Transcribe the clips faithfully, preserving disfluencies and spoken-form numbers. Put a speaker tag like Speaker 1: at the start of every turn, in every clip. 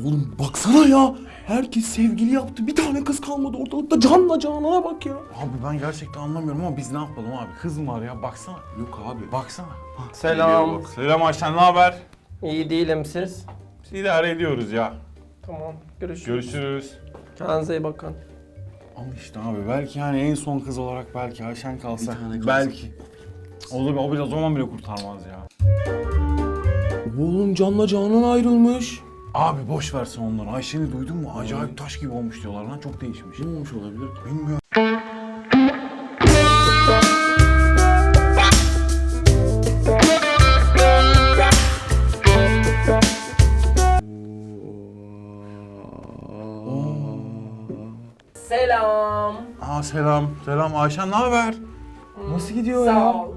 Speaker 1: Oğlum baksana ya. Herkes sevgili yaptı. Bir tane kız kalmadı ortalıkta. Canla Canan'a bak ya.
Speaker 2: Abi ben gerçekten anlamıyorum ama biz ne yapalım abi? Kız mı var ya? Baksana.
Speaker 1: Yok abi.
Speaker 2: Baksana.
Speaker 3: Selam.
Speaker 2: Bak. Selam Ayşen, ne haber?
Speaker 3: İyi değilim siz.
Speaker 2: Biz idare ediyoruz ya.
Speaker 3: Tamam. Görüşürüz.
Speaker 2: Görüşürüz.
Speaker 3: Kendinize iyi bakın.
Speaker 2: Ama işte abi belki yani en son kız olarak belki Ayşen kalsa.
Speaker 1: Bir tane kalsa.
Speaker 2: Belki. O da o biraz zaman bile kurtarmaz ya.
Speaker 1: Oğlum Canla Canan ayrılmış.
Speaker 2: Abi boş versin onları. Ayşen'i duydun mu? Acayip taş gibi olmuş diyorlar lan. Çok değişmiş.
Speaker 1: Ne olmuş olabilir?
Speaker 2: Bilmiyorum.
Speaker 3: Selam.
Speaker 2: Aa selam. Selam Ayşen, ne haber? Nasıl gidiyor
Speaker 3: Sağ
Speaker 2: ya?
Speaker 3: ol.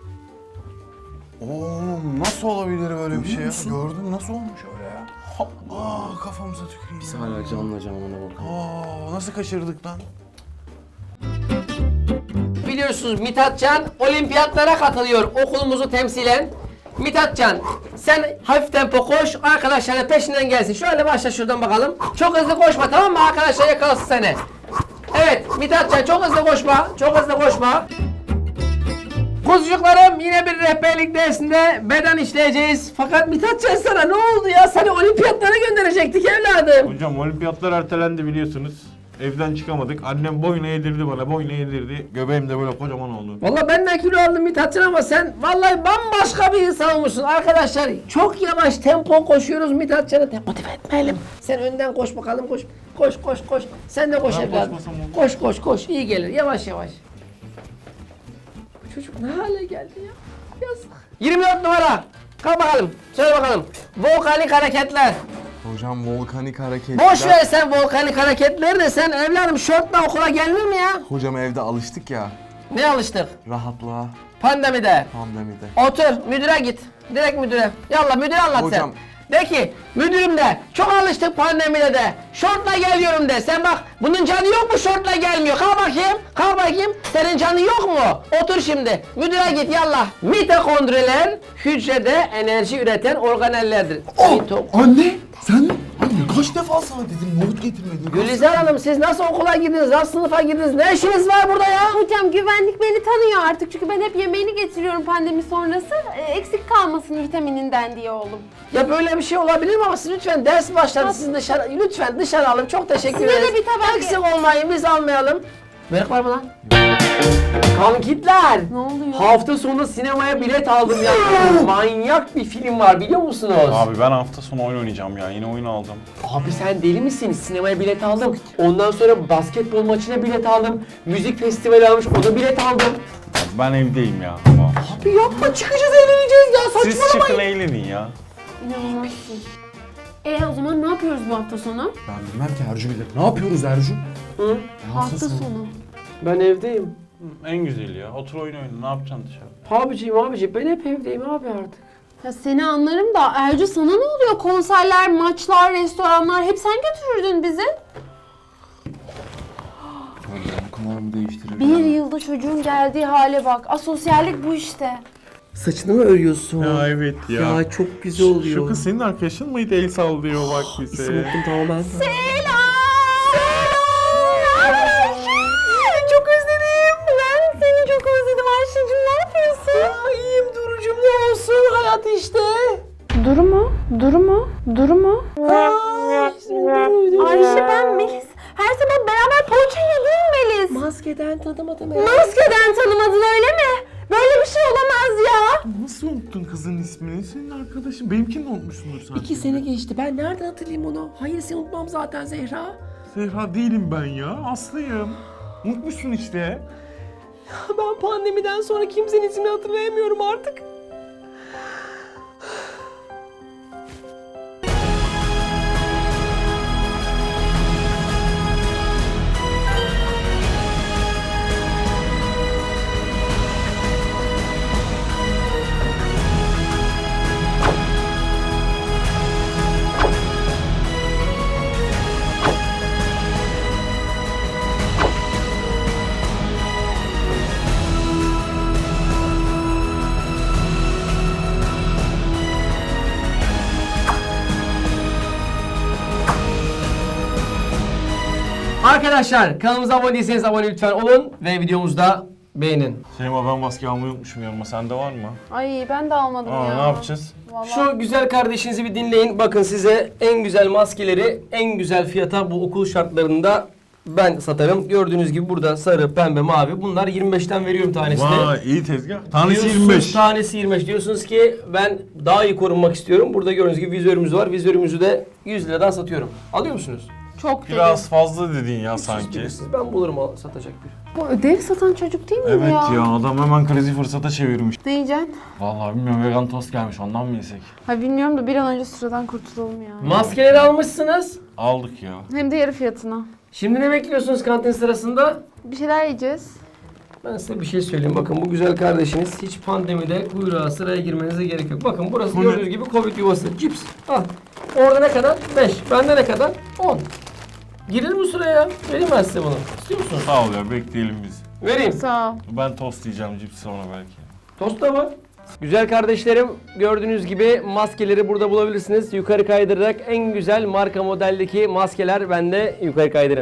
Speaker 2: Oğlum nasıl olabilir böyle bir şey ya? Gördün nasıl olmuş öyle ya? Aa kafamıza tüküreyim.
Speaker 1: Biz hala Canla Canan'a bakalım.
Speaker 2: Aa nasıl kaçırdık lan?
Speaker 3: Biliyorsunuz Mithatcan olimpiyatlara katılıyor okulumuzu temsilen. Mithatcan sen hafif tempo koş, arkadaşların peşinden gelsin. Şöyle başla şuradan bakalım. Çok hızlı koşma, tamam mı? Arkadaşlar yakalasın seni. Evet Mithatcan çok hızlı koşma, çok hızlı koşma. Kuzucuklarım yine bir rehberlik dersinde beden işleyeceğiz. Fakat Mithatcan sana ne oldu ya? Seni olimpiyatlara gönderecektik evladım.
Speaker 4: Hocam olimpiyatlar ertelendi biliyorsunuz. Evden çıkamadık. Annem boyuna yedirdi bana, boyuna yedirdi. Göbeğim de böyle kocaman oldu.
Speaker 3: Vallahi ben de kilo aldım Mithatcan ama sen vallahi bambaşka bir insan olmuşsun arkadaşlar. Çok yavaş tempo koşuyoruz Mithatcan'ı motive etmeyelim. Sen önden koş bakalım koş. Koş koş koş. Sen de koş
Speaker 4: Ben
Speaker 3: evladım.
Speaker 4: koşmasam olur.
Speaker 3: Koş koş koş. İyi gelir yavaş yavaş. Bu çocuk ne hale geldi ya? Yazık. yirmi dört numara. Kalk bakalım. Söyle bakalım. Volkanik hareketler.
Speaker 1: Hocam volkanik hareketler.
Speaker 3: Boş ver sen volkanik hareketleri de sen evladım şortla okula gelinir mi ya?
Speaker 1: Hocam evde alıştık ya.
Speaker 3: Ne alıştık?
Speaker 1: Rahatlığa,
Speaker 3: Pandemide.
Speaker 1: pandemide.
Speaker 3: Otur, müdüre git. Direkt müdüre. Yallah müdüre anlat
Speaker 1: Hocam.
Speaker 3: sen. De ki, müdürüm de, çok alıştık pandemide de. Şortla geliyorum de. Sen bak, bunun canı yok mu şortla gelmiyor? Kalk bakayım, kalk bakayım. Senin canı yok mu? Otur şimdi. Müdüre git yallah. Mitokondriler, hücrede enerji üreten organellerdir. Mito-
Speaker 1: Anne! Sen? Anne kaç defa sana dedim nohut getirmedin.
Speaker 3: Gülizar Hanım siz nasıl okula girdiniz, nasıl sınıfa girdiniz? Ne işiniz var burada ya?
Speaker 5: Hocam güvenlik beni tanıyor artık çünkü ben hep yemeğini getiriyorum pandemi sonrası. E, eksik kalmasın vitamininden diye oğlum.
Speaker 3: Ya böyle bir şey olabilir mi ama siz lütfen ders başladı siz dışarı lütfen dışarı alın çok teşekkür
Speaker 5: Size de
Speaker 3: ederiz.
Speaker 5: bir tabak
Speaker 3: Eksik olmayın biz almayalım. Börek var mı lan? Kankitler.
Speaker 5: Ne oluyor?
Speaker 3: Hafta sonu sinemaya bilet aldım ya. Manyak bir film var biliyor musunuz? Abi.
Speaker 4: Abi ben hafta sonu oyun oynayacağım ya. Yine oyun aldım.
Speaker 3: sen deli misin? Sinemaya bilet aldım. Ondan sonra basketbol maçına bilet aldım. Müzik festivali almış o da bilet aldım.
Speaker 4: Ben evdeyim ya. Tamam.
Speaker 3: Abi yapma çıkacağız eğleneceğiz ya
Speaker 4: Siz
Speaker 3: saçmalamayın.
Speaker 4: çıkın eğlenin ya.
Speaker 5: İnanılmazsın. E o zaman ne yapıyoruz bu hafta sonu?
Speaker 1: Ben bilmem ki Ercü bilir. Ne yapıyoruz Ercü?
Speaker 3: Hı?
Speaker 5: Hafta sonu.
Speaker 3: Ben evdeyim.
Speaker 4: En güzeli ya. Otur oyun oyna. Ne yapacaksın dışarı?
Speaker 3: Abiciğim abiciğim ben hep evdeyim abi artık.
Speaker 5: Ya seni anlarım da Ercü sana ne oluyor? Konserler, maçlar, restoranlar hep sen götürürdün bizi.
Speaker 1: Hocam bu kadar mı değiştirir?
Speaker 5: Bir yılda çocuğun geldiği hale bak. Asosyallik bu işte.
Speaker 3: Saçını mı örüyorsun?
Speaker 4: Ya evet ya.
Speaker 3: Ya çok güzel oluyor.
Speaker 4: Şu kız senin arkadaşın mıydı? El sallıyor bak bize.
Speaker 3: İsim unuttum tamamen.
Speaker 5: Çok özledim. Ben seni çok özledim Ayşe'cim. Ne yapıyorsun?
Speaker 3: İyiyim Duru'cum ne olsun hayat işte.
Speaker 5: Duru mu? Duru mu? Duru mu? Ayşe ben Melis. Her sabah beraber poğaça yediğim Melis.
Speaker 3: Maskeden tanımadım ya.
Speaker 5: Maskeden tanımadın öyle mi? Böyle bir şey olamaz ya.
Speaker 4: Nasıl unuttun kızın ismini? Senin arkadaşın. Benimkini de unutmuşsundur sanki.
Speaker 3: İki sene geçti. Ben nereden hatırlayayım onu? Hayır seni unutmam zaten Zehra.
Speaker 4: Zehra değilim ben ya. Aslıyım. Unutmuşsun işte.
Speaker 3: Ben pandemiden sonra kimsenin ismini hatırlayamıyorum artık. Arkadaşlar kanalımıza abone değilseniz abone lütfen olun ve videomuzda beğenin.
Speaker 4: Şeyma ben maske almayı unutmuşum yanıma. Sende var mı?
Speaker 5: Ay ben de almadım
Speaker 4: Aa,
Speaker 5: ya.
Speaker 4: ne yapacağız?
Speaker 5: Vallahi.
Speaker 3: Şu güzel kardeşinizi bir dinleyin. Bakın size en güzel maskeleri en güzel fiyata bu okul şartlarında ben satarım. Gördüğünüz gibi burada sarı, pembe, mavi. Bunlar yirmi beşten veriyorum tanesini.
Speaker 4: Vay iyi tezgah. Tanesi
Speaker 3: Diyorsunuz,
Speaker 4: yirmi beş.
Speaker 3: Tanesi yirmi beş. Diyorsunuz ki ben daha iyi korunmak istiyorum. Burada gördüğünüz gibi vizörümüz var. Vizörümüzü de yüz liradan satıyorum. Alıyor musunuz?
Speaker 5: Çok dedi.
Speaker 4: Biraz fazla dedin ya sanki.
Speaker 3: Bilirsiniz. Ben bulurum al- satacak bir.
Speaker 5: Bu ödev satan çocuk değil mi
Speaker 4: Evet
Speaker 5: ya?
Speaker 4: ya adam hemen krizi fırsata çevirmiş.
Speaker 5: Ne yiyeceksin?
Speaker 4: Vallahi bilmiyorum vegan tost gelmiş ondan mı yesek?
Speaker 5: Ha bilmiyorum da bir an önce sıradan kurtulalım ya.
Speaker 3: Maskeleri almışsınız.
Speaker 4: Aldık ya.
Speaker 5: Hem de yarı fiyatına.
Speaker 3: Şimdi ne bekliyorsunuz kantin sırasında?
Speaker 5: Bir şeyler yiyeceğiz.
Speaker 3: Ben size bir şey söyleyeyim. Bakın bu güzel kardeşiniz hiç pandemide kuyruğa sıraya girmenize gerek yok. Bakın burası
Speaker 4: Bu ne?
Speaker 3: gördüğünüz gibi Covid yuvası. Cips. Al. Orada ne kadar? beş. Bende ne kadar? on. Girir mi sıraya? Vereyim ben size bunu. İstiyor musunuz?
Speaker 4: Sağ ol ya bekleyelim biz.
Speaker 3: Vereyim.
Speaker 5: Sağ ol.
Speaker 4: Ben tost yiyeceğim cips sonra belki.
Speaker 3: Tost da var. Güzel kardeşlerim gördüğünüz gibi maskeleri burada bulabilirsiniz. Yukarı kaydırarak en güzel marka modeldeki maskeler bende. Yukarı kaydırın.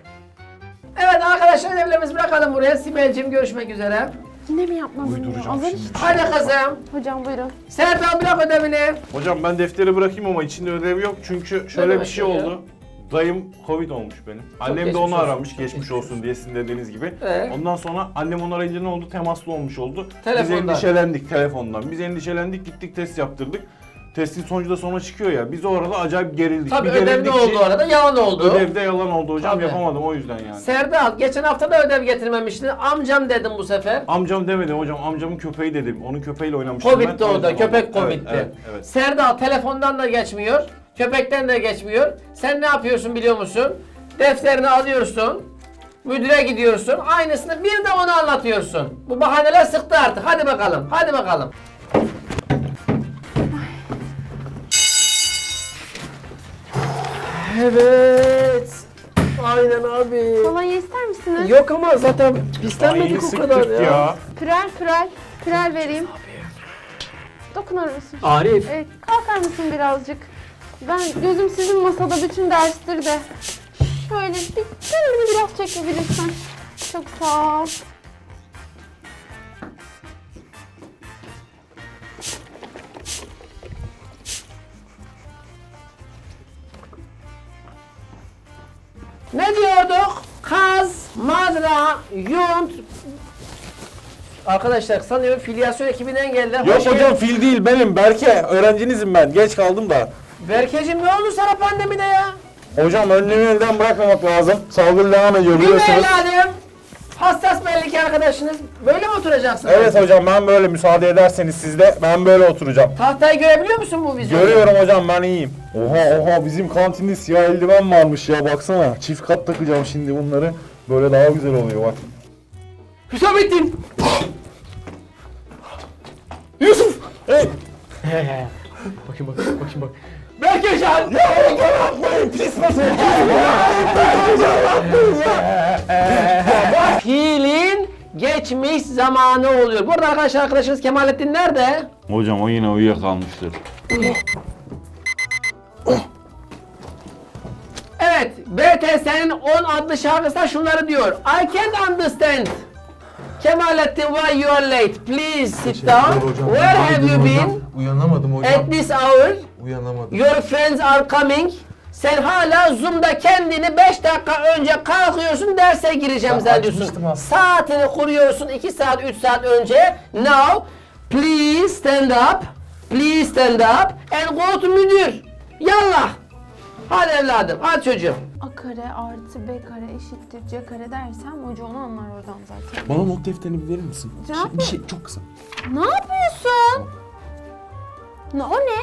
Speaker 3: Evet arkadaşlar ödevlerimizi bırakalım buraya. Sibel'cim görüşmek üzere.
Speaker 5: Yine mi yapmadın ya?
Speaker 4: Uyduracağım
Speaker 5: Azar
Speaker 4: şimdi.
Speaker 5: işte.
Speaker 3: Hadi kızım.
Speaker 5: Hocam buyurun.
Speaker 3: Serdal bırak ödevini.
Speaker 4: Hocam ben defteri bırakayım ama içinde ödev yok çünkü şöyle bir
Speaker 3: demek
Speaker 4: şey
Speaker 3: ya?
Speaker 4: oldu. Dayım Covid olmuş benim. Annem de
Speaker 3: geçmiş
Speaker 4: onu
Speaker 3: olsun,
Speaker 4: aramış
Speaker 3: çok
Speaker 4: geçmiş
Speaker 3: geçmiş
Speaker 4: olsun diye sizin dediğiniz gibi.
Speaker 3: Ee?
Speaker 4: Ondan sonra annem onu arayınca ne oldu? Temaslı olmuş oldu.
Speaker 3: Telefondan.
Speaker 4: Biz endişelendik telefondan. Biz endişelendik gittik test yaptırdık. Testin sonucu da sonra çıkıyor ya. Biz o arada acayip gerildik.
Speaker 3: Tabii
Speaker 4: Bir
Speaker 3: ödev ne
Speaker 4: gerildik
Speaker 3: oldu
Speaker 4: ki-
Speaker 3: arada? Yalan oldu.
Speaker 4: Ödevde yalan oldu hocam
Speaker 3: Tabii.
Speaker 4: yapamadım o yüzden yani.
Speaker 3: Serdal geçen hafta da ödev getirmemiştin. Amcam dedim bu sefer.
Speaker 4: Amcam demedi hocam amcamın köpeği dedim. Onun köpeğiyle oynamıştım ben.
Speaker 3: Covid'di
Speaker 4: o
Speaker 3: o
Speaker 4: yüzden
Speaker 3: da. Köpek
Speaker 4: oldu.
Speaker 3: Covid'di.
Speaker 4: Evet, evet, evet.
Speaker 3: Serdal telefondan da geçmiyor. Köpekten de geçmiyor. Sen ne yapıyorsun biliyor musun? Defterini alıyorsun. Müdüre gidiyorsun. Aynısını bir de ona anlatıyorsun. Bu bahaneler sıktı artık. Hadi bakalım. Hadi bakalım. Evet. Aynen abi.
Speaker 5: Kolonya ister misiniz?
Speaker 3: Yok ama zaten
Speaker 4: Ay,
Speaker 3: pislenmedik o
Speaker 4: sıktık
Speaker 3: kadar ya.
Speaker 4: ya.
Speaker 5: Pürel pürel. Pürel vereyim. Dokunur musun?
Speaker 3: Arif.
Speaker 5: Evet, kalkar mısın birazcık? Ben gözüm sizin masada bütün derstir de. Şöyle bir kendini biraz çekebilirsen. Çok sağ ol.
Speaker 3: Ne diyorduk? Kaz, madra, yunt. Arkadaşlar sanıyorum filyasyon ekibinden geldiler.
Speaker 1: Yok
Speaker 3: Hoş
Speaker 1: hocam
Speaker 3: geldin.
Speaker 1: fil değil benim Berke. Öğrencinizim ben. Geç kaldım da.
Speaker 3: Berkeciğim ne oldu sana pandemide ya?
Speaker 1: Hocam önlemi elden bırakmamak lazım. Salgın devam ediyor
Speaker 3: Değil mi
Speaker 1: biliyorsunuz.
Speaker 3: evladım? Hassas belli ki arkadaşınız. Böyle mi oturacaksın?
Speaker 1: Evet hocam ben böyle müsaade ederseniz siz de ben böyle oturacağım.
Speaker 3: Tahtayı görebiliyor musun bu vizyonda?
Speaker 1: Görüyorum hocam ben iyiyim. Oha oha bizim kantinde siyah eldiven varmış ya baksana. Çift kat takacağım şimdi bunları. Böyle daha güzel oluyor bak.
Speaker 3: Hüsamettin!
Speaker 1: Yusuf! Hey!
Speaker 3: Bakayım bak, bakayım bak. Berkecan!
Speaker 1: Ya hocam yapmayın pis nasıl?
Speaker 3: Fiilin geçmiş zamanı oluyor. Bu arada arkadaşlar arkadaşınız Kemalettin nerede?
Speaker 4: Hocam o yine uyuyakalmıştır.
Speaker 3: Evet, B T S'nin on adlı şarkısında şunları diyor. I can't understand. Kemalettin, why you are late? Please sit down. Where have you been?
Speaker 2: Uyanamadım hocam.
Speaker 3: At this hour,
Speaker 2: Uyanamadım.
Speaker 3: your friends are coming. Sen hala Zoom'da kendini beş dakika önce kalkıyorsun derse gireceğim
Speaker 2: Ben
Speaker 3: zannediyorsun.
Speaker 2: açmıştım aslında.
Speaker 3: Saatini kuruyorsun iki saat üç saat önce. Now, please stand up. Please stand up and go to müdür. Yallah. Hadi evladım, hadi çocuğum.
Speaker 5: A kare artı B kare eşittir C kare dersem hoca onu anlar oradan zaten.
Speaker 1: Bana not defterini bir verir misin?
Speaker 5: Ne
Speaker 1: Şey- bir
Speaker 5: yapıyorsun?
Speaker 1: şey çok kısa.
Speaker 5: Ne yapıyorsun? Ne, o ne?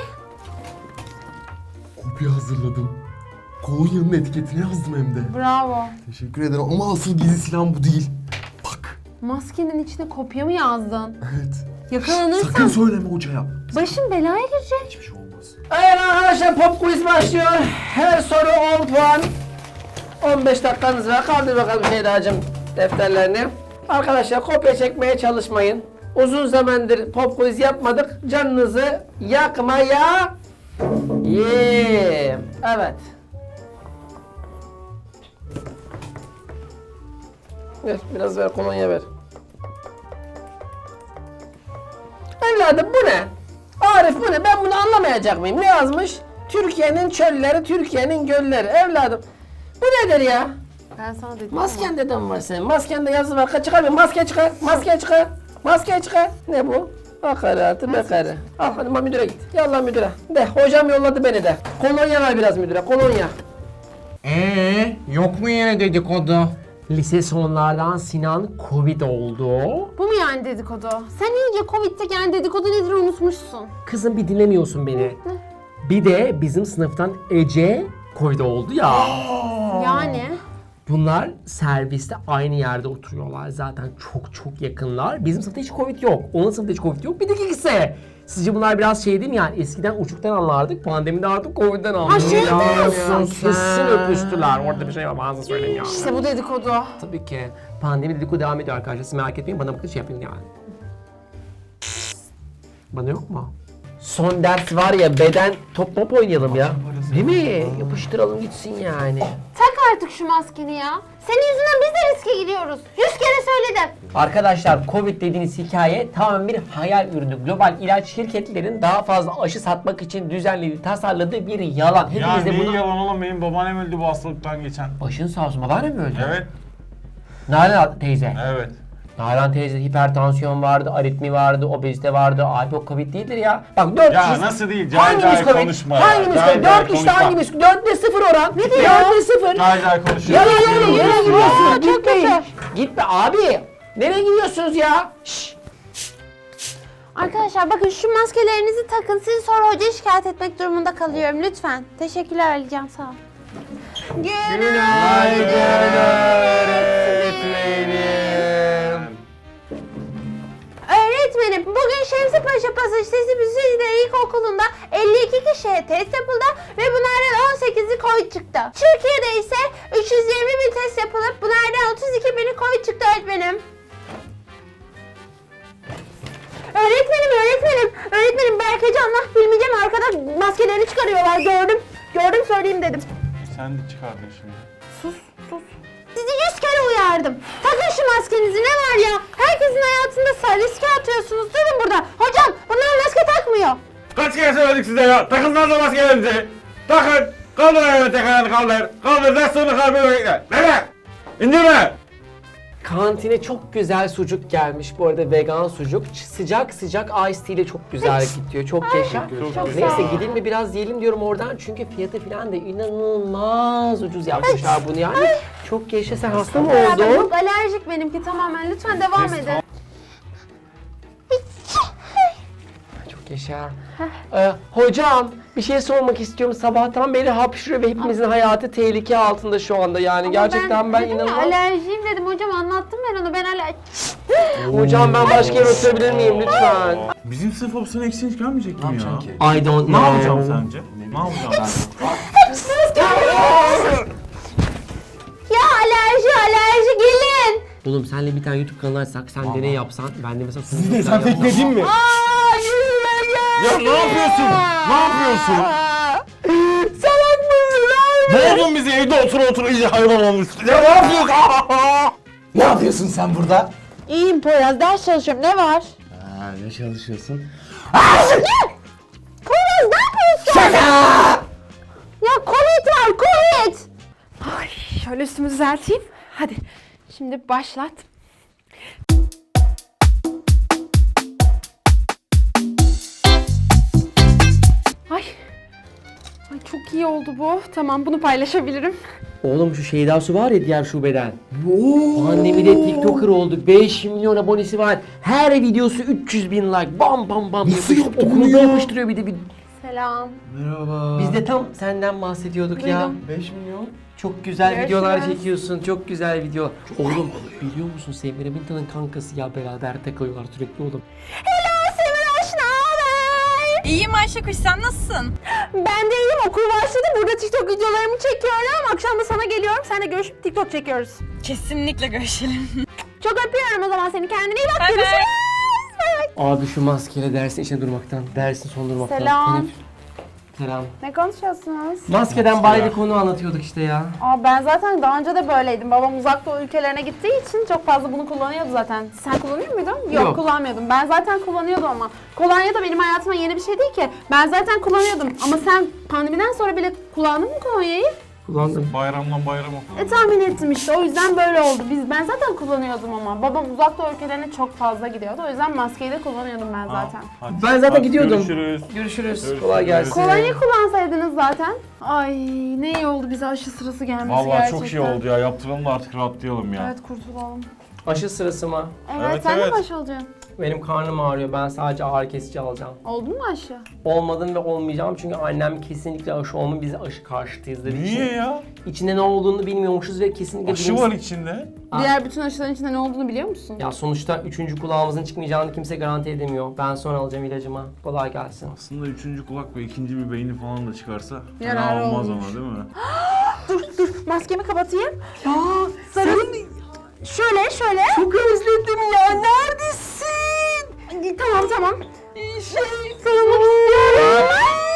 Speaker 1: Kopya hazırladım. Kolonyanın etiketini yazdım hem de.
Speaker 5: Bravo.
Speaker 1: Teşekkür ederim ama asıl gizli silahım bu değil. Bak.
Speaker 5: Maskenin içine kopya mı yazdın?
Speaker 1: Evet.
Speaker 5: Yakalanırsan
Speaker 1: Sakın söyleme hocaya.
Speaker 5: başın belaya girecek.
Speaker 1: Hiçbir şey olmaz.
Speaker 3: Evet arkadaşlar pop quiz başlıyor. Her soru on puan. on beş dakikanız var. Kaldır bakalım Şeyda'cığım defterlerini. Arkadaşlar kopya çekmeye çalışmayın. Uzun zamandır pop quiz yapmadık. Canınızı yakmaya. Yeah. Evet. Ver, biraz ver, kolonya ver. Evladım bu ne? Arif bu ne? Ben bunu anlamayacak mıyım? Ne yazmış? Türkiye'nin çölleri, Türkiye'nin gölleri. Evladım bu nedir ya?
Speaker 5: Ben sana dedim.
Speaker 3: Masken dedim var senin. Maskende yazı var. Çıkar bir maske çıkar. Maske çıkar. Maske çıkar. Ne bu? Hakaratı bekarı. Al hadi ma müdüre git. Yallah müdüre. De hocam yolladı beni de. Kolonya ver biraz müdüre. Kolonya.
Speaker 6: Ee, yok mu yine dedikodu?
Speaker 3: Lise sonlardan Sinan Covid oldu.
Speaker 5: Bu mu yani dedikodu? Sen iyice Covid'de yani dedikodu nedir unutmuşsun.
Speaker 3: Kızım bir dinlemiyorsun beni. Bir de bizim sınıftan Ece Covid oldu ya.
Speaker 5: Yani.
Speaker 3: Bunlar serviste aynı yerde oturuyorlar zaten çok çok yakınlar. Bizim sınıfta hiç Covid yok. Onun sınıfta hiç Covid yok. Bir de ikisi. Sizce bunlar biraz şey değil mi yani? Eskiden uçuktan anlardık, pandemide artık Covid'den anlıyoruz.
Speaker 5: Ha, şey
Speaker 3: diyorsun
Speaker 5: sen.
Speaker 3: Kesin öpüştüler. Orada bir şey var, bazı söyleyeyim ya.
Speaker 5: İşte bu dedikodu.
Speaker 3: Tabii ki. Pandemi dedikodu devam ediyor arkadaşlar. Siz merak etmeyin, bana bakın şey yapın yani. Bana yok mu? Son ders var ya, beden top mop oynayalım ya. Değil mi? Yapıştıralım gitsin yani.
Speaker 5: Tak artık şu maskeni ya. Senin yüzünden biz de riske giriyoruz. Yüz kere söyledim.
Speaker 3: Arkadaşlar Covid dediğiniz hikaye tamamen bir hayal ürünü. Global ilaç şirketlerin daha fazla aşı satmak için düzenlediği, tasarladığı bir yalan.
Speaker 4: Ya
Speaker 3: Hepiniz de
Speaker 4: neyi
Speaker 3: bunu...
Speaker 4: yalan oğlum, benim babaannem öldü bu hastalıktan geçen.
Speaker 3: Başın sağ olsun. Babaannem mi öldü?
Speaker 4: Evet.
Speaker 3: Nalan teyze.
Speaker 4: Evet.
Speaker 3: Nalan teyze hipertansiyon vardı, aritmi vardı, obezite vardı. Abi o Covid değildir ya. Bak dört
Speaker 4: Ya
Speaker 3: kişi...
Speaker 4: nasıl değil? Cahil
Speaker 3: Hangimiz
Speaker 4: cahil
Speaker 3: Covid?
Speaker 4: konuşma ya.
Speaker 3: Hangimiz
Speaker 4: Cahil
Speaker 3: Covid?
Speaker 4: cahil
Speaker 3: Dört kişi
Speaker 4: konuşma.
Speaker 3: hangimiz? Dörtte sıfır oran. Ne diyor? Dörtte sıfır.
Speaker 4: Cahil cahil konuşuyor.
Speaker 3: Yere yere yere gidiyorsunuz.
Speaker 5: çok
Speaker 3: Gitmeyin.
Speaker 5: kötü.
Speaker 3: Gitme abi. Nereye gidiyorsunuz ya? Şşş.
Speaker 5: Arkadaşlar bakın şu maskelerinizi takın. Sizi sonra hocaya şikayet etmek durumunda kalıyorum lütfen. Teşekkürler Alican sağ ol.
Speaker 3: Günaydın öğretmenim.
Speaker 5: Öğretmenim bugün Şemsi Paşa Pasaj Sesi Büsücüler İlkokulu'nda elli iki kişiye test yapıldı ve bunlardan on sekizi Covid çıktı. Türkiye'de ise üç yüz yirmi bin test yapılıp bunlardan otuz iki bini Covid çıktı öğretmenim. Öğretmenim, öğretmenim, öğretmenim Berkecan'la Hilmi'cem arkada maskelerini çıkarıyorlar gördüm. Gördüm söyleyeyim dedim.
Speaker 4: Sen de çıkardın şimdi.
Speaker 5: Sus, sus. Sizi yüz kere uyardım. Takın şu maskenizi ne var ya? Herkesin hayatında sa- riske atıyorsunuz. Durun burada. Hocam bunlar maske takmıyor.
Speaker 4: Kaç kere söyledik size ya? Takın lan da maskelerinizi. Takın. Kaldır ayağını, tek ayağını kaldır. Kaldır, ders sonu kaldır. Bekle. Nereye? İndirme.
Speaker 3: Kantine çok güzel sucuk gelmiş bu arada, vegan sucuk. Ç- Sıcak sıcak ice tea ile çok güzel gidiyor. Çok yaşa.
Speaker 5: Çok
Speaker 3: Neyse
Speaker 5: sağ ol.
Speaker 3: gidin mi biraz yiyelim diyorum oradan çünkü fiyatı falan da inanılmaz ucuz yapmışlar bunu yani. Çok yaşa, sen hasta mı
Speaker 5: Beraber
Speaker 3: oldun?
Speaker 5: yok alerjik benimki tamamen. Lütfen devam edin.
Speaker 3: Çok yaşa. Ee, hocam bir şey sormak istiyorum. Sabahtan beri hapşırıyor ve hepimizin hayatı tehlike altında şu anda yani. Gerçekten ben,
Speaker 5: dedim ya,
Speaker 3: inanılmaz.
Speaker 5: alerjiyim dedim hocam anlattım ben onu. Ben alerji...
Speaker 3: Hocam ben başka yere oturabilir miyim lütfen?
Speaker 4: Bizim sınıf opsiyonu eksiğiniz gelmeyecek mi ya?
Speaker 2: ki?
Speaker 3: I don't
Speaker 4: Ne
Speaker 3: know.
Speaker 4: yapacağım sence? Ne yapacağım ben?
Speaker 5: Ya alerji alerji gelin.
Speaker 3: Oğlum senle bir tane YouTube kanalı açsak, sen deney yapsan, ben de mesela...
Speaker 1: Siz de sen tekledin mi?
Speaker 5: Aa yüzüme gel.
Speaker 4: Ya ne yapıyorsun? Ne yapıyorsun?
Speaker 3: Salak mısın abi?
Speaker 4: Ne oldun bizi evde otur otur iyice hayvan olmuşsun. Ya ne yapıyorsun?
Speaker 2: Ne yapıyorsun sen burada?
Speaker 5: İyiyim Poyraz ders çalışıyorum ne var?
Speaker 2: Ha, ne çalışıyorsun?
Speaker 5: Poyraz ne yapıyorsun? Ya Covid var Covid. Ay şöyle üstümü düzelteyim. Hadi şimdi başlat. Ay. Ay çok iyi oldu bu. Tamam bunu paylaşabilirim.
Speaker 3: Oğlum şu Şeyda Su var ya diğer şubeden. Pandemide TikToker oldu. beş milyon abonesi var. Her videosu üç yüz bin like. Bam bam bam.
Speaker 2: Nasıl
Speaker 3: Yapış-
Speaker 2: yaptı bunu
Speaker 3: Okulda
Speaker 2: ya?
Speaker 3: yapıştırıyor bir de bir.
Speaker 5: Selam.
Speaker 2: Merhaba.
Speaker 3: Biz de tam senden bahsediyorduk ya.
Speaker 5: Duydum.
Speaker 2: beş milyon.
Speaker 3: Çok güzel
Speaker 5: Görüşürüz.
Speaker 3: videolar çekiyorsun. Çok güzel video. Oğlum biliyor musun Semire Minta'nın kankası ya, beraber takılıyorlar sürekli oğlum.
Speaker 5: Hello Semir hoş ne haber?
Speaker 7: İyiyim Ayşe Kuş, sen nasılsın?
Speaker 5: Ben de iyiyim okul başladı. Burada TikTok videolarımı çekiyorum. Akşam da sana geliyorum. Seninle görüşüp TikTok çekiyoruz.
Speaker 7: Kesinlikle görüşelim.
Speaker 5: Çok öpüyorum o zaman seni. Kendine iyi bak.
Speaker 7: Bay bay.
Speaker 5: Görüşürüz. Bay bay.
Speaker 3: Abi şu maskeyle dersin içine durmaktan, dersin son durmaktan.
Speaker 5: Selam.
Speaker 3: Teneffüs- Selam.
Speaker 5: Ne konuşuyorsunuz?
Speaker 3: Maskeden bari bir konu anlatıyorduk işte ya.
Speaker 5: Aa, ben zaten daha önce de böyleydim. Babam uzak doğu ülkelerine gittiği için çok fazla bunu kullanıyordu zaten. Sen kullanıyor muydun? Yok,
Speaker 3: Yok.
Speaker 5: kullanmıyordum. Ben zaten kullanıyordum ama. Kolonya da benim hayatıma yeni bir şey değil ki. Ben zaten kullanıyordum. Ama sen pandemiden sonra bile kullandın mı kolonyayı?
Speaker 3: Kullandım.
Speaker 4: Bayramdan bayrama.
Speaker 5: E tahmin ettim işte. O yüzden böyle oldu. Biz ben zaten kullanıyordum ama. Babam uzak doğu ülkelerine çok fazla gidiyordu. O yüzden maskeyi de kullanıyordum ben zaten.
Speaker 3: Ben zaten gidiyordum.
Speaker 4: Görüşürüz.
Speaker 3: Görüşürüz. Kolay gelsin.
Speaker 5: Kolonyayı kullansaydınız zaten. Ay ne iyi oldu bize aşı sırası gelmesi
Speaker 4: Vallahi
Speaker 5: gerçekten.
Speaker 4: çok iyi oldu ya. Yaptıralım da artık rahatlayalım ya.
Speaker 5: Evet kurtulalım.
Speaker 3: Aşı sırası mı?
Speaker 5: Evet,
Speaker 4: Evet,
Speaker 5: sen
Speaker 4: evet.
Speaker 5: de başı olacaksın.
Speaker 3: Benim karnım ağrıyor. Ben sadece ağrı kesici alacağım.
Speaker 5: Oldun mu aşı?
Speaker 3: Olmadım ve olmayacağım çünkü annem kesinlikle aşı olma, biz aşı karşıtıyız dediği için.
Speaker 4: Niye ya?
Speaker 3: İçinde ne olduğunu bilmiyormuşuz ve kesinlikle
Speaker 4: Aşı
Speaker 3: bilim-
Speaker 4: var içinde.
Speaker 3: Aa.
Speaker 5: Diğer bütün aşıların içinde ne olduğunu biliyor musun?
Speaker 3: Ya sonuçta üçüncü kulağımızın çıkmayacağını kimse garanti edemiyor. Ben sonra alacağım ilacımı. Kolay gelsin.
Speaker 4: Aslında üçüncü kulak ve ikinci bir beyni falan da çıkarsa
Speaker 5: Yararı
Speaker 4: fena olmaz
Speaker 5: olmuş.
Speaker 4: ama değil mi?
Speaker 5: Dur dur maskemi kapatayım. Ya sarıl. Şöyle şöyle.
Speaker 3: Çok özledim ya. Neredesin?
Speaker 5: Ay, Tamam tamam. Şey sarılmak istiyorum.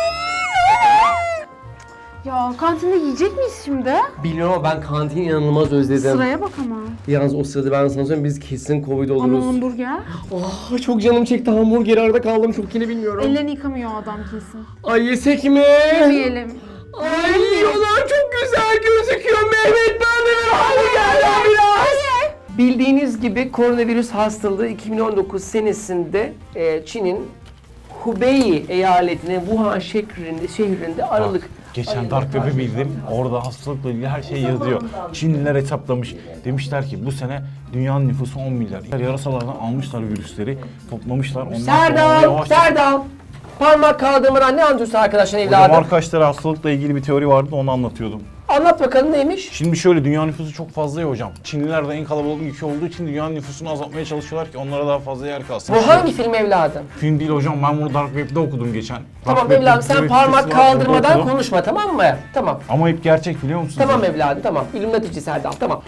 Speaker 5: Ya kantinde yiyecek miyiz şimdi?
Speaker 3: Bilmiyorum ama ben kantini inanılmaz özledim.
Speaker 5: Sıraya bak ama.
Speaker 3: Yalnız o sırada ben sana söyleyeyim biz kesin Covid
Speaker 5: Ama
Speaker 3: oluruz.
Speaker 5: hamburger.
Speaker 3: Ah, çok canım çekti hamburger arada kaldım çok yine bilmiyorum.
Speaker 5: Ellerini yıkamıyor o adam kesin.
Speaker 3: Ay yesek mi?
Speaker 5: Yemeyelim.
Speaker 3: Ay yiyorlar çok güzel gözüküyor Mehmet ben de hamburgerler biraz. Bildiğiniz gibi koronavirüs hastalığı iki bin on dokuz senesinde e, Çin'in Hubei eyaletinin Wuhan şehrinde, şehrinde Aralık.
Speaker 4: Geçen Dark Web'i bildim. Orada hastalıkla ilgili her şey yazıyor. Çinliler hesaplamış. Demişler ki bu sene dünyanın nüfusu on milyar. Yarasalardan almışlar virüsleri, toplamışlar. Ondan sonra
Speaker 3: Serdal,
Speaker 4: yavaş...
Speaker 3: Serdal. Parmak kaldırmadan ne anlatıyorsun arkadaşın
Speaker 4: Hocam
Speaker 3: evladım?
Speaker 4: arkadaşlar hastalıkla ilgili bir teori vardı onu anlatıyordum.
Speaker 3: Anlat bakalım neymiş?
Speaker 4: Şimdi şöyle dünya nüfusu çok fazla ya hocam. Çinliler de en kalabalık ülke olduğu için dünyanın nüfusunu azaltmaya çalışıyorlar ki onlara daha fazla yer kalsın.
Speaker 3: Bu hangi film evladım?
Speaker 4: Film değil hocam ben bunu Dark Web'de okudum geçen. Dark
Speaker 3: Tamam
Speaker 4: Web'de
Speaker 3: evladım
Speaker 4: bir
Speaker 3: sen
Speaker 4: teori
Speaker 3: parmak
Speaker 4: sitesi var, orada
Speaker 3: kaldırmadan
Speaker 4: okudum.
Speaker 3: konuşma tamam mı? Tamam.
Speaker 4: Ama hep gerçek biliyor musunuz?
Speaker 3: Tamam evladım tamam. İlluminatici Serdal tamam.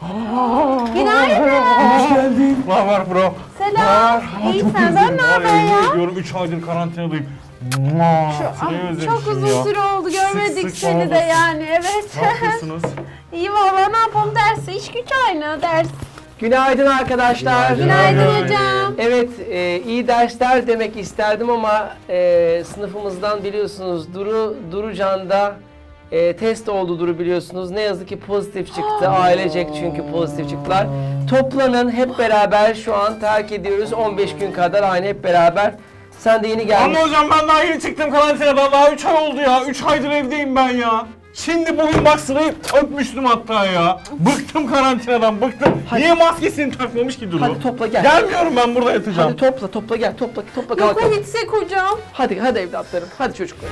Speaker 5: Günaydın.
Speaker 4: Hoş geldin. Ne haber bro?
Speaker 5: Selam. İyi senden ne haber ya?
Speaker 4: Diyorum üç aydır karantinadayım. Mua, seni
Speaker 5: Ay,
Speaker 4: özlemişim
Speaker 5: çok uzun
Speaker 4: ya.
Speaker 5: süre oldu görmedik
Speaker 4: Sık sık
Speaker 5: seni de
Speaker 4: bağlanırsın.
Speaker 5: yani evet.
Speaker 4: Ne yapıyorsunuz?
Speaker 5: İyi valla ne yapalım dersi iş güç aynı ders.
Speaker 3: Günaydın arkadaşlar.
Speaker 5: Günaydın hocam.
Speaker 3: Evet, e, iyi dersler demek isterdim ama e, sınıfımızdan biliyorsunuz Duru Durucan'da e, test oldu Duru biliyorsunuz. Ne yazık ki pozitif çıktı. Ailecek çünkü pozitif çıktılar. Toplanın hep beraber şu an terk ediyoruz. on beş gün kadar aynı hep beraber. Sen de yeni geldin.
Speaker 4: Ama hocam ben daha yeni çıktım karantinadan. Daha üç ay oldu ya. üç aydır evdeyim ben ya. Şimdi bugün bak sırayı öpmüştüm hatta ya. Bıktım karantinadan bıktım. Niye maskesini takmamış ki Duru?
Speaker 3: Hadi topla gel.
Speaker 4: Gelmiyorum ben burada yatacağım.
Speaker 3: Hadi topla topla gel topla topla
Speaker 5: Yok
Speaker 3: kalk.
Speaker 5: gitsek hocam.
Speaker 3: Hadi hadi evlatlarım. Hadi çocuklar.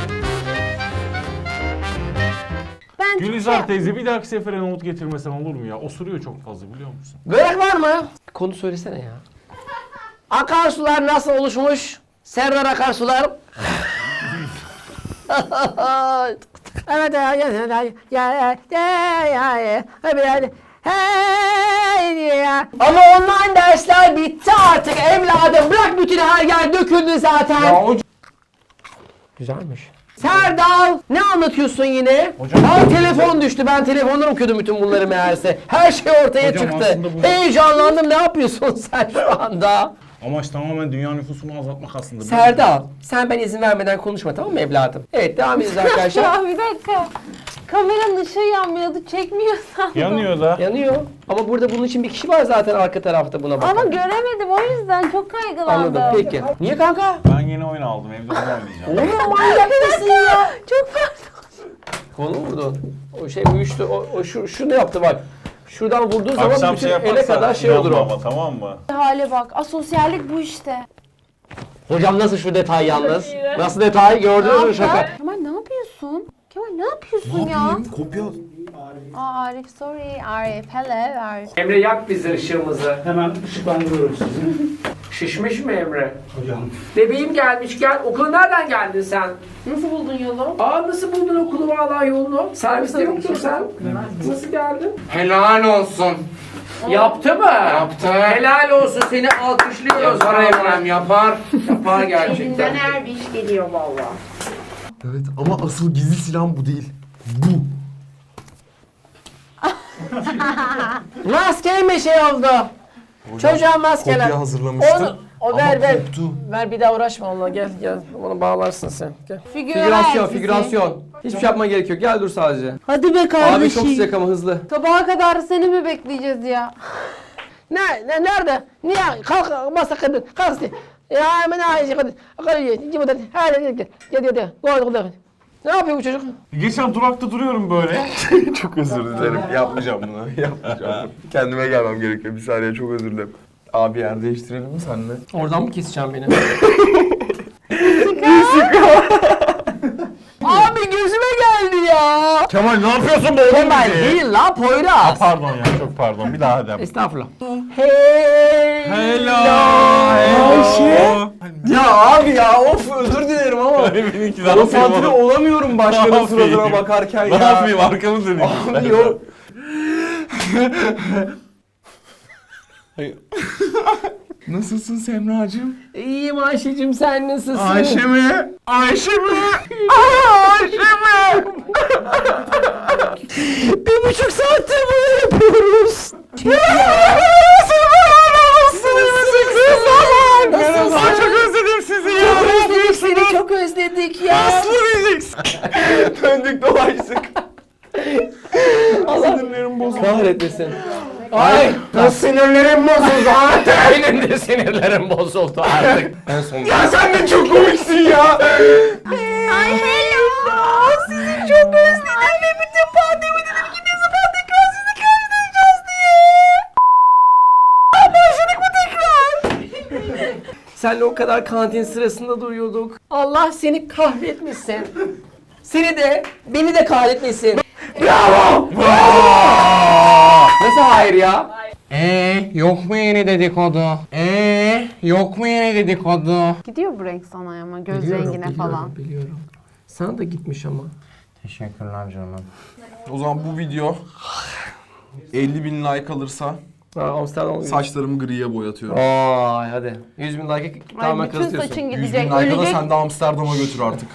Speaker 5: Ben
Speaker 4: Gülizar teyze bir dahaki sefere nohut getirmesen olur mu ya? Osuruyor çok fazla biliyor musun?
Speaker 3: Börek var mı? Konu söylesene ya. Akarsular nasıl oluşmuş? Serdar Akarsular. Evet ya ya ya ya ya ya ya Hey ya. Ama online dersler bitti artık evladım. Bırak bütün her yer döküldü zaten. Güzelmiş. Serdal ne anlatıyorsun yine?
Speaker 4: Hocam-
Speaker 3: Al telefon düştü. Ben telefondan okuyordum bütün bunları meğerse. Her şey ortaya
Speaker 4: Hocam
Speaker 3: çıktı.
Speaker 4: aslında bu-
Speaker 3: Heyecanlandım. Ne yapıyorsun sen şu anda?
Speaker 4: Amaç tamamen dünya nüfusunu azaltmak aslında.
Speaker 3: Serdal, sen ben izin vermeden konuşma tamam mı evladım? Evet devam ediyoruz arkadaşlar.
Speaker 5: Ya bir dakika. Kameranın ışığı yanmıyordu çekmiyorsan.
Speaker 4: Yanıyor da.
Speaker 3: Yanıyor. Ama burada bunun için bir kişi var zaten arka tarafta buna bakan.
Speaker 5: Ama göremedim o yüzden çok kaygılandım.
Speaker 3: Anladım peki. Niye kanka?
Speaker 4: Ben yeni oyun aldım evde onu oynayacağım.
Speaker 3: Oğlum manyak mısın ya?
Speaker 5: Çok pardon.
Speaker 3: Kolu mu vurdun? O şey uyuştu. O, o şu, şu ne yaptı bak. Şuradan vurduğun zaman
Speaker 4: Akşam
Speaker 3: bütün
Speaker 4: şey
Speaker 3: ele
Speaker 4: yaparsa
Speaker 3: kadar şey olur
Speaker 4: inanma
Speaker 3: o.
Speaker 4: ama tamam mı?
Speaker 5: Hale bak. Asosyallik bu işte.
Speaker 3: Hocam nasıl şu detay yalnız? Nasıl detay gördünüz mü şaka?
Speaker 5: Kemal ne yapıyorsun? Kemal ne yapıyorsun ya?
Speaker 4: Kopya.
Speaker 5: Aa Arif sorry. Arif hello Arif.
Speaker 3: Emre yak bizi ışığımızı.
Speaker 8: Hemen ışıklandırıyorum sizi.
Speaker 3: Şişmiş mi Emre?
Speaker 8: Hocam.
Speaker 3: Bebeğim gelmiş gel. Okula nereden geldin sen?
Speaker 5: Nasıl buldun yolu?
Speaker 3: Aa nasıl buldun okulu valla yolunu? Serviste yoktun sen. Nasıl geldin?
Speaker 6: Helal olsun.
Speaker 3: Yaptı mı?
Speaker 6: Yaptı.
Speaker 3: Helal olsun seni alkışlıyoruz.
Speaker 6: Yapar
Speaker 3: vallahi.
Speaker 6: Emrem yapar.
Speaker 3: Yapar gerçekten.
Speaker 5: her bir iş geliyor valla.
Speaker 2: Evet ama asıl gizli silahım bu değil. Bu.
Speaker 3: Maske şey oldu? Çocuğa maskeler.
Speaker 2: Kopya hazırlamıştı.
Speaker 3: Onu, o
Speaker 2: ama
Speaker 3: ver ver.
Speaker 2: koptu.
Speaker 3: Ver bir daha uğraşma onunla gel gel. Onu bağlarsın sen. Gel.
Speaker 9: Figürasyon, figürasyon. Hiçbir şey yapman gerek yok. Gel dur sadece.
Speaker 5: Hadi be
Speaker 9: Abi
Speaker 5: kardeşim.
Speaker 9: çok sıcak ama hızlı.
Speaker 5: Sabaha kadar seni mi bekleyeceğiz ya?
Speaker 3: Ne, ne nerede? Niye? Kalk masa kadın. Kalk işte. Ya hemen aynı kadın. Kalk ye. Gel buradan. Hadi gel gel. Gel gel gel. Gel gel. Ne yapıyor bu çocuk?
Speaker 4: Geçen durakta duruyorum böyle.
Speaker 2: Çok özür dilerim. Yapmayacağım bunu. Yapmayacağım. Kendime gelmem gerekiyor. Bir saniye çok özür dilerim. Abi yer değiştirelim mi seninle?
Speaker 3: Oradan mı keseceğim beni? Abi gözüme geldi ya.
Speaker 4: Kemal ne yapıyorsun be oğlum
Speaker 3: Kemal
Speaker 4: bizi?
Speaker 3: değil la Poyraz.
Speaker 4: Pardon ya çok pardon. Bir daha hadi.
Speaker 3: Estağfurullah. Hey.
Speaker 4: Hello. Ayşe.
Speaker 9: Ya abi ya of özür dilerim ama.
Speaker 4: Benimki ne
Speaker 9: Konsantre
Speaker 4: yapayım oğlum?
Speaker 9: olamıyorum başkanın
Speaker 4: Ne yapayım?
Speaker 9: suratına bakarken
Speaker 4: Ne
Speaker 9: ya.
Speaker 4: yapayım arkamı döneyim.
Speaker 9: Abi yok.
Speaker 2: Nasılsın Semracığım?
Speaker 3: İyiyim Ayşe'cim sen nasılsın?
Speaker 4: Ayşe mi? Ayşe mi? Ayşe mi?
Speaker 3: Bir buçuk saattir bunu yapıyoruz.
Speaker 4: Nasılsın? Ay çok özledim sizi ya.
Speaker 3: Çok özledik seni çok özledik ya.
Speaker 4: Aslı diyeceksin.
Speaker 9: Döndük dolaştık.
Speaker 4: Sinirlerim bozuldu.
Speaker 9: Kahretmesin.
Speaker 3: Ay sinirlerim bozuldu artık. Benim de sinirlerim bozuldu artık.
Speaker 9: En son.
Speaker 4: Ya sen de çok komiksin ya.
Speaker 5: Ay hello. Sizi çok özledim ve bütün pandemi dedim ki ne zaman tekrar sizi karşılayacağız diye. Başladık mı tekrar?
Speaker 3: Senle o kadar kantin sırasında duruyorduk. Allah seni kahretmesin. Seni de, beni de kahretmesin. Bravo! Nasıl hayır ya?
Speaker 6: Ee, yok mu yeni dedikodu? Ee, yok mu yeni dedikodu?
Speaker 5: Gidiyor bu renk sana ama göz rengine falan.
Speaker 3: Biliyorum. Sana da gitmiş ama.
Speaker 6: Teşekkürler canım.
Speaker 2: O zaman bu video elli bin like alırsa
Speaker 3: Ha, Amsterdam
Speaker 2: saçlarımı griye boyatıyorum.
Speaker 3: Ay hadi. yüz bin like'e
Speaker 5: Ay
Speaker 3: tamamen
Speaker 5: bütün
Speaker 3: kazıtıyorsun.
Speaker 5: saçın
Speaker 2: yüz bin
Speaker 5: gidecek.
Speaker 2: like'a da
Speaker 5: Ölecek.
Speaker 2: sen de Amsterdam'a götür artık.